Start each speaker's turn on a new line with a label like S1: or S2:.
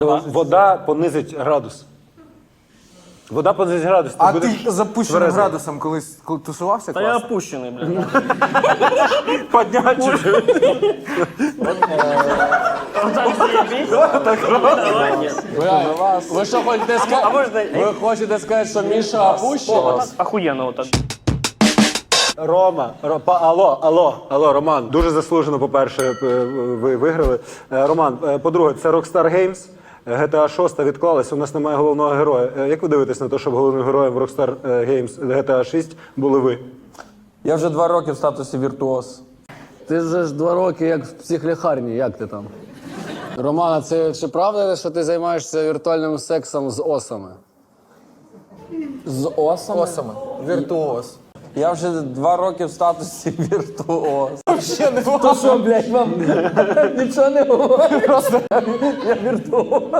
S1: Вода понизить градус. Вода понизить градус.
S2: А
S1: будеш
S2: ти запущеним
S1: тверезий.
S2: градусом колись тусувався
S3: Та я
S2: класно?
S3: опущений, блядь.
S1: Поднять чуть-чуть.
S4: Ви що хочете сказати? Ви хочете сказати, що Міша опущений?
S3: Охуєнно отак.
S1: Рома, алло, Роман, дуже заслужено, по-перше, ви виграли. Роман, по-друге, це Rockstar Games, GTA 6 відклалась, у нас немає головного героя. Як ви дивитесь на те, щоб головним героєм в Rockstar Games GTA 6 були ви?
S4: Я вже 2 роки в статусі віртуоз.
S5: Ти вже ж 2 роки як в психлікарні, як ти там? Романа, це чи правда, що ти займаєшся віртуальним сексом з осами?
S4: З осами?
S2: Осами. Віртуоз.
S4: Я вже 2 роки в статусі віртуоз.
S2: Ще не
S4: То що, блядь, вам нічого не говорить? Просто я віртуоз.